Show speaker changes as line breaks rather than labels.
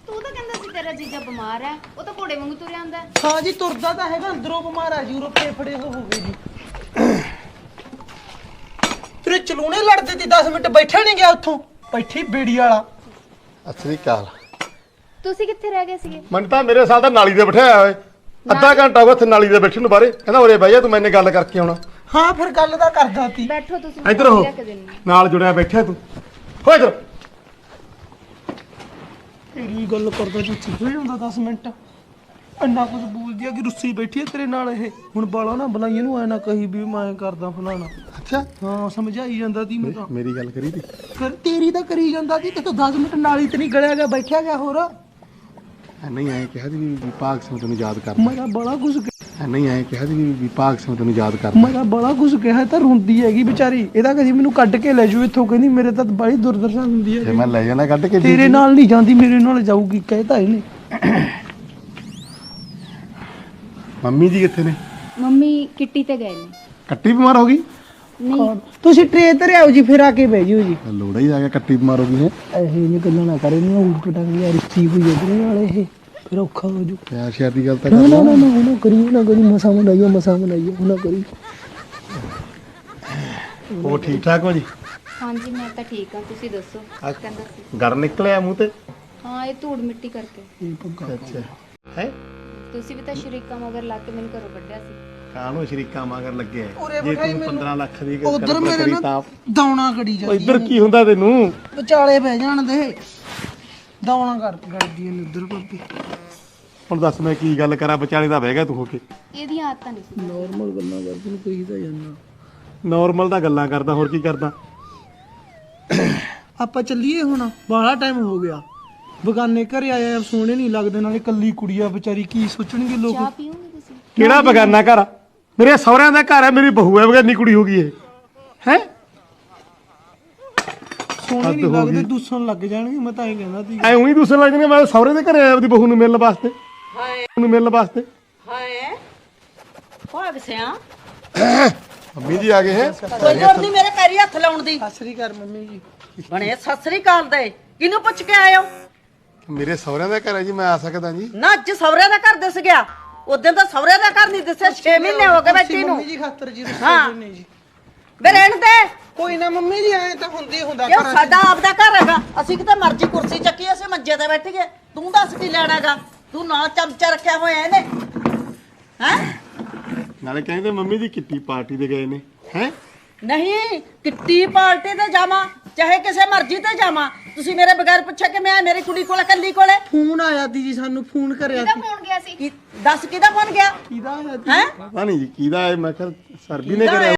ਤੂੰ ਤਾਂ ਕਹਿੰਦਾ ਸੀ ਤੇਰਾ ਜੀਜਾ ਬਿਮਾਰ ਹੈ, ਉਹ ਤਾਂ ਘੋੜੇ ਵਾਂਗੂ ਤੁਰਿਆ ਆਂਦਾ।
ਹਾਂ ਜੀ ਤੁਰਦਾ ਤਾਂ ਹੈਗਾ, ਅੰਦਰੋਂ ਬਿਮਾਰ ਆ ਜੀ, ਉਰੋਂ ਫੇਫੜੇ ਹੋਵੇ ਜੀ। ਤੇਰੇ ਚਲੂਣੇ ਲੜਦੇ ਤੀ 10 ਮਿੰਟ ਬੈਠਾ ਨਹੀਂ ਗਿਆ ਉੱਥੋਂ, ਬੈਠੀ ਬੇੜੀ ਵਾਲਾ।
ਅਸਲੀ ਕਾਲ
ਤੁਸੀਂ ਕਿੱਥੇ ਰਹਿ ਗਏ ਸੀਗੇ?
ਮੈਨੂੰ ਤਾਂ ਮੇਰੇ ਸਾਲ ਦਾ ਨਾਲੀ ਦੇ ਬਿਠਾਇਆ ਹੋਏ, ਅੱਧਾ ਘੰਟਾ ਹੋ ਗਿਆ ਉੱਥੇ ਨਾਲੀ ਦੇ ਬੈਠੇ ਨੂੰ ਬਾਹਰੇ, ਕਹਿੰਦਾ ਉਰੇ ਬਹਿ ਜਾ ਤੂੰ, ਮੈਨੇ ਗੱਲ ਕਰਕੇ ਆਉਣਾ।
ਹਾਂ ਫਿਰ ਗੱਲ ਤਾਂ ਕਰਦਾ ਤੀ।
ਬੈਠੋ ਤੁਸੀਂ,
ਇੱਧਰ ਹੋ,
ਲੈ ਕੇ ਦਿੰਨੀ।
ਨਾਲ ਜੁੜਿਆ ਬੈਠਿਆ ਤੂੰ, ਹੋ ਇੱਧਰ।
ਤੇਰੀ ਗੱਲ ਕਰਦਾ ਤੂੰ ਚੁੱਪ ਜਾਂਦਾ 10 ਮਿੰਟ, ਇੰਨਾ ਕੁਝ ਬੋਲਦੀ ਆ ਕਿ ਰੁੱਸੀ ਬੈਠੀ ਹੈ ਤੇਰੇ ਨਾਲ। ਇਹ ਹੁਣ ਬਾਲਾ ਨਾ ਬੁਲਾਈ ਇਹਨੂੰ, ਐ ਨਾ ਕਹੀ ਵੀ ਮੈਂ ਕਰਦਾ ਫਲਾਣਾ।
ਅੱਛਾ
ਹਾਂ ਸਮਝਾਈ ਜਾਂਦਾ ਤੀ ਮੈਂ ਤਾਂ।
ਮੇਰੀ ਗੱਲ ਕਰੀ ਤੀ
ਤੇਰੀ ਤਾਂ ਕਰੀ ਜਾਂਦਾ ਤੀ, ਤੇ ਤੂੰ 10 ਮਿੰਟ ਨਾਲੀ ਤੇ ਨਹੀਂ ਗਲਿਆ ਗਿਆ, ਬੈਠਿਆ ਗਿਆ। ਹੋਰ
ਨਹੀਂ ਐਂ ਕਿਹਾ ਸੀ ਵੀ ਵਿਭਾਗ ਸਿੰਘ ਤੈਨੂੰ ਯਾਦ ਕਰਦਾ।
ਮੈਂ ਤਾਂ ਬੜਾ ਕੁਝ
ਨਹੀਂ ਐਂ ਕਿਹਾ ਸੀ ਵੀ ਵਿਭਾਗ ਸਿੰਘ ਤੈਨੂੰ ਯਾਦ ਕਰਦਾ।
ਮੈਂ ਤਾਂ ਬੜਾ ਕੁਝ ਕਿਹਾ, ਤਾਂ ਰੋਂਦੀ ਹੈਗੀ ਵਿਚਾਰੀ। ਇਹਦਾ ਕਦੀ ਮੈਨੂੰ ਕੱਢ ਕੇ ਲੈ ਜਾਓ ਇੱਥੋਂ, ਕਹਿੰਦੀ ਮੇਰੇ ਤਾਂ ਬੜੀ ਦੁਰਦਸ਼ਾ ਹੁੰਦੀ
ਜੇ
ਹੈ।
ਮੈਂ ਲੈ ਜਾਣਾ ਕੱਢ ਕੇ
ਤੇਰੇ ਨਾਲ ਨਹੀਂ ਜਾਂਦੀ, ਮੇਰੇ ਨਾਲ ਜਾਊਗੀ, ਕਹਿਤਾ ਇਹਨੇ।
ਮੰਮੀ ਜੀ ਕਿੱਥੇ ਨੇ?
ਮੰਮੀ ਕਿੱਟੀ ਤੇ ਗਏ ਨੇ।
ਕੱਟੀ ਬਿਮਾਰ ਹੋ ਗਈ?
ਨਹੀਂ
ਤੁਸੀਂ ਟਰੇ ਤੇ ਆਓ ਜੀ, ਫਿਰ ਆ ਕੇ ਬਹਿ ਜਿਓ ਜੀ।
ਲੋੜਾ ਹੀ ਆ ਗਿਆ, ਕੱਟੀ ਬਿਮਾਰ ਹੋ ਗਈ ਹੈ।
ਇਹ ਨਹੀਂ ਗੱਲਾਂ ਨਾ ਕਰੇ, ਨਹੀਂ ਉਲਟ ਪਟਾਂਗੇ ਯਾਰ, ਰਿਸ਼ਤੀ ਹੋਈ ਇਹਦੇ ਨਾਲ, ਇਹ ਫਿਰ ਔਖਾ ਹੋ ਜੂ।
ਪਿਆਰ ਸ਼ਿਆਰ ਦੀ ਗੱਲ ਤਾਂ
ਨਾ
ਕਰ
ਨਾ
ਲਾ।
ਨਾ ਨਾ ਕਰੀ, ਨਾ ਕਰੀ, ਮਸਾ ਮਨਾਈਓ, ਮਸਾ ਮਨਾਈਓ, ਨਾ ਕਰੀ।
ਉਹ ਠੀਕ ਠਾਕ ਹੋ ਜੀ?
ਹਾਂਜੀ ਮੈਂ ਤਾਂ ਠੀਕ ਹਾਂ, ਤੁਸੀਂ ਦੱਸੋ। ਕਹਿੰਦਾ ਸੀ
ਗਰ ਨਿਕਲਿਆ ਮੂੰਹ ਤੇ?
ਹਾਂ, ਇਹ ਧੂੜ ਮਿੱਟੀ ਕਰਕੇ।
ਅੱਛਾ ਹੈ।
ਤੁਸੀਂ ਵੀ ਤਾਂ ਸ਼ਰੀਕਾਂ ਮਗਰ ਲਾ ਕੇ ਮੈਨੂੰ ਘਰੋਂ ਕੱਢਿਆ ਸੀ।
ਕਾਹਨੂੰ ਸ਼ਰੀਕਾ ਮਗਰ ਲੱਗੇ
ਉਰੇ
ਜੇ
ਬਿਠਾਈ
ਤੂੰ
ਮੈਨੂੰ।
15 ਲੱਖ ਦੀ
ਉਧਰ ਮੇਰੇ
ਕਰੀ
ਨਾ
ਤਾਂ
ਦੌਣਾ ਕੜੀ
ਉਹ
ਜਾਂਦੀ
ਇੱਧਰ ਕੀ ਹੁੰਦਾ ਤੈਨੂੰ?
ਵਿਚਾਲੇ ਬਹਿ ਜਾਣ ਦੇ, ਦੌਣਾ ਕਰਦੀ ਨੇ ਉਧਰ ਭਾਬੀ।
ਹੁਣ ਦੱਸ ਮੈਂ ਕੀ ਗੱਲ ਕਰਾਂ, ਵਿਚਾਲੇ ਦਾ ਬਹਿ ਗਿਆ ਤੂੰ ਹੋ ਕੇ।
ਇਹਦੀਆਂ ਆਦਤਾਂ ਨਹੀਂ ਸੀ।
ਨਾਰਮਲ ਗੱਲਾਂ ਕਰਦੀ ਨੂੰ ਕਹੀ ਤਾਂ ਜਾਂਦਾ।
ਨਾਰਮਲ ਤਾਂ ਗੱਲਾਂ ਕਰਦਾ, ਹੋਰ ਕੀ ਕਰਦਾ?
ਆਪਾਂ ਚੱਲੀਏ ਹੁਣ, ਬਾਹਲਾ ਟਾਈਮ ਹੋ ਗਿਆ। ਬਗਾਨੇ ਘਰੇ ਆਇਆ, ਸੋਹਣੇ ਨਹੀਂ ਲੱਗਦੇ, ਨਾਲੇ ਕੱਲੀ ਕੁੜੀ ਆ ਵਿਚਾਰੀ, ਕੀ ਸੋਚਣਗੇ ਲੋਕ।
ਚਾਹ ਪੀਓਗੇ ਤੁਸੀਂ?
ਕਿਹੜਾ ਬਗਾਨਾ ਘਰ ਆ? ਮੇਰੇ ਸਹੁਰਿਆਂ ਦਾ ਘਰ ਹੈ, ਮੇਰੀ ਬਹੂ ਹੈ, ਬਗਾਨੀ ਕੁੜੀ ਹੋ ਗਈ ਇਹ ਹੈ।
ਸੋਹਣੇ ਨਹੀਂ ਲੱਗਦੇ, ਦੂਸਣ ਲੱਗ ਜਾਣਗੇ। ਮੈਂ ਤਾਂ ਇਹ ਕਹਿੰਦਾ ਸੀ।
ਐ ਉਹੀ ਦੂਸਰੇ ਲੱਗ ਜਾਣਗੇ। ਮੈਂ ਸਹੁਰੇ ਦੇ ਘਰੇ ਆਇਆ ਆਪਦੀ ਬਹੂ ਨੂੰ ਮਿਲਣ ਵਾਸਤੇ। ਨੂੰ ਮਿਲਣ ਵਾਸਤੇ।
ਹਾਏ ਭਾਗ ਸਿਆ
ਮੰਮੀ ਜੀ ਆ ਗਏ ਹੈ।
ਕੋਈ ਲੋੜ ਨਹੀਂ ਮੇਰੇ ਪੈਰੀ ਹੱਥ ਲਾਉਣ ਦੀ।
ਸਤਿ ਸ੍ਰੀ ਅਕਾਲ ਮੰਮੀ ਜੀ।
ਬਣੇ ਸਤਿ ਸ੍ਰੀ ਅਕਾਲ ਦੇ, ਕਿਹਨੂੰ ਪੁੱਛ ਕੇ ਆਏ ਹੋ?
ਮੇਰੇ ਸਹੁਰਿਆਂ ਦਾ ਘਰ ਹੈ ਜੀ, ਮੈਂ ਆ ਸਕਦਾ ਜੀ?
ਨਾ ਅੱਜ ਸਵਰੇ ਦਾ ਘਰ ਦਿਸ ਗਿਆ, ਉਦੋਂ ਤਾਂ ਸਵਰੇ ਦਾ ਘਰ ਨਹੀਂ ਦਿਸਿਆ। 6 ਮਹੀਨੇ ਹੋ ਗਏ ਬੈਠੀ ਨੂੰ।
ਮੰਮੀ ਜੀ ਖਾਤਰ ਜੀ
ਹਾਂ।
ਰੁੱਸੇ ਨੇ ਜੀ।
ਵੇ ਰਹਿਣ ਦੇ,
ਕੋਈ ਨਾ ਮੰਮੀ ਜੀ, ਐ ਤਾਂ ਹੁੰਦੀ ਹੁੰਦਾ
ਇਹ
ਘਰਾਂ 'ਚ।
ਸਾਡਾ ਆਪਦਾ ਘਰ ਹੈਗਾ। ਅਸੀਂ ਕਿਤੇ ਮਰਜ਼ੀ ਕੁਰਸੀ ਚੱਕੀ, ਅਸੀਂ ਮੰਜੇ ਤੇ ਬੈਠ ਗਏ। ਤੂੰ ਦੱਸ ਕੀ ਲੈਣਾਗਾ? ਤੂੰ ਨਾ ਚਮਚਾ ਰੱਖਿਆ ਹੋਇਆ ਇਹਨੇ ਹੈ।
ਨਾਲੇ ਕਹਿੰਦੇ ਮੰਮੀ ਜੀ ਕਿੱਟੀ ਪਾਰਟੀ ਤੇ ਗਏ ਨੇ ਹੈ।
ਨਹੀਂ ਕਿੱਟੀ ਪਾਰਟੀ ਤੇ ਜਾਵਾਂ, ਚਾਹੇ ਕਿਸੇ ਮਰਜ਼ੀ ਤੇ ਜਾਵਾਂ, ਤੁਸੀਂ ਮੇਰੇ ਬਗੈਰ ਪੁੱਛਿਆ ਕਿ ਮੈਂ ਮੇਰੀ ਕੁੜੀ ਕੋਲ ਕੱਲੀ ਕੋਲੇ?
ਫੋਨ ਆਇਆ ਤੀ ਜੀ, ਸਾਨੂੰ ਫੋਨ ਕਰਿਆ
ਕਿਹਦਾ
ਤੀ।
ਫੋਨ ਗਿਆ ਸੀ?
ਦੱਸ ਕਿਹਦਾ ਫੋਨ ਗਿਆ
ਕਿਹਦਾ ਆਇਆ ਤੀ?
ਹੈ?
ਪਤਾ ਨਹੀਂ ਜੀ ਕਿਹਦਾ ਹੈ, ਮੈਂ ਕਿਹਾ ਸਰਬੀ ਨੇ ਕਰਿਆ।